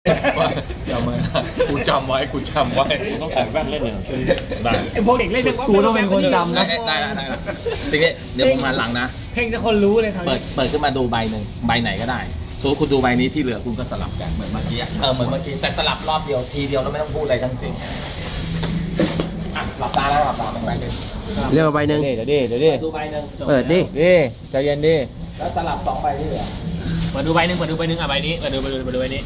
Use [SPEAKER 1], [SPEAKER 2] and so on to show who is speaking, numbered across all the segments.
[SPEAKER 1] จำไว้กูจำไว้ต้องใส่แว่นเล่นเลยได้
[SPEAKER 2] ไอ้พวกเด็กเล่น
[SPEAKER 3] กูต้องเป็นคนจำนะ
[SPEAKER 1] ได้ทีนี้เดี๋ยวผมหันหลังนะ
[SPEAKER 2] เพลงจะคนรู้เลยครับ
[SPEAKER 1] เปิดขึ้นมาดูใบหนึ่งใบไหนก็ได้สมมติคุณดูใบนี้ที่เหลือคุณก็สลับกันเหมือนเมื่อกี้เหมือนเมื่อกี้แต่สลับรอบเดียวทีเดียวแล้วไม่ต้องพูดอะไรทั้งสิ้นอ่ะหลับตาแล้วหลับตาเป็นใบหนึ่ง
[SPEAKER 3] เร็วใบหนึ่ง
[SPEAKER 2] เดี๋ยวดิ
[SPEAKER 1] ดูใบหนึ่ง
[SPEAKER 3] เปิดดิ
[SPEAKER 2] ใจเย็นดิ
[SPEAKER 1] แล้วสลับ2ใบที่เหลือ
[SPEAKER 2] มาดูใบหนึ่งอ่ะใบนี้มาดูใบนี้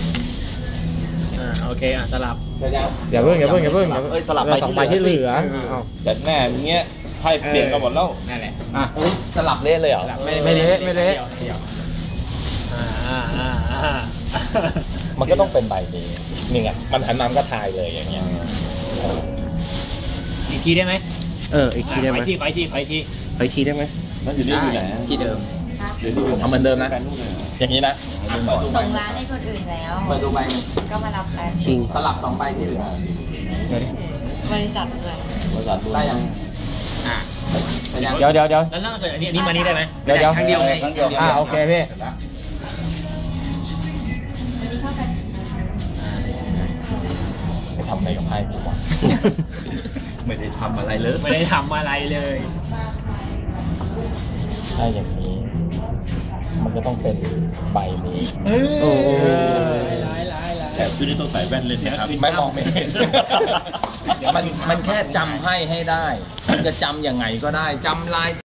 [SPEAKER 2] โอเคสลับ
[SPEAKER 3] อย่าเพิ่ง
[SPEAKER 4] สลับไป
[SPEAKER 3] สองใบที่เหลือ
[SPEAKER 1] เสร็จแน่อย่างเงี้ยไพ่เปลี่ยนกันหมดแล้ว
[SPEAKER 2] นั่นแหละ
[SPEAKER 1] สลับเละเลยเหรอ
[SPEAKER 3] ไม่เละไม่เละ
[SPEAKER 1] มันก็ต้องเป็นใบนี้นี่ไงมันหันน้ำก็ทายเลยอย่างเงี้ย
[SPEAKER 2] อีกทีได้ไหม
[SPEAKER 3] อีกทีได้ไหม
[SPEAKER 2] ขออีกที
[SPEAKER 3] ขออีกทีได้ไหม
[SPEAKER 1] แล้วอยู่นี่อยู่ไหน
[SPEAKER 4] ที่เดิม
[SPEAKER 1] ทำเหมือนเดิมนะอย่างนี้นะ
[SPEAKER 5] ส่งร้านให้คนอื่นแล้ว
[SPEAKER 1] เปิดดูใบ
[SPEAKER 5] ก็มารับกัน
[SPEAKER 3] ชิง
[SPEAKER 1] สลับ2ใบที่เหลือบ
[SPEAKER 5] ริษัทด้วย
[SPEAKER 1] ได้ยัง
[SPEAKER 3] เดี๋ยว
[SPEAKER 2] แล้วนั่งอันนี้มานี่ได้ไหม
[SPEAKER 3] เดี๋ยว
[SPEAKER 4] ครั้งเดียวไง
[SPEAKER 3] โอเคพี่
[SPEAKER 5] วันนี้เข้ากัน
[SPEAKER 1] ไปทำอะไรกับไพ่กูวะ
[SPEAKER 4] ไม่ได้ทำอะไรเลย
[SPEAKER 2] ไม่ได้ทำอะไรเลย
[SPEAKER 1] ถ้าอย่างนี้ มันก็ต้องเป็นใบนี้
[SPEAKER 3] โอ้
[SPEAKER 1] แต่คุณนี่ต้องใส่แว่นเลยนะครับไม่มองไม่เห็นมันแค่จำไพ่ให้ได้มันจะจำยังไงก็ได้จำลาย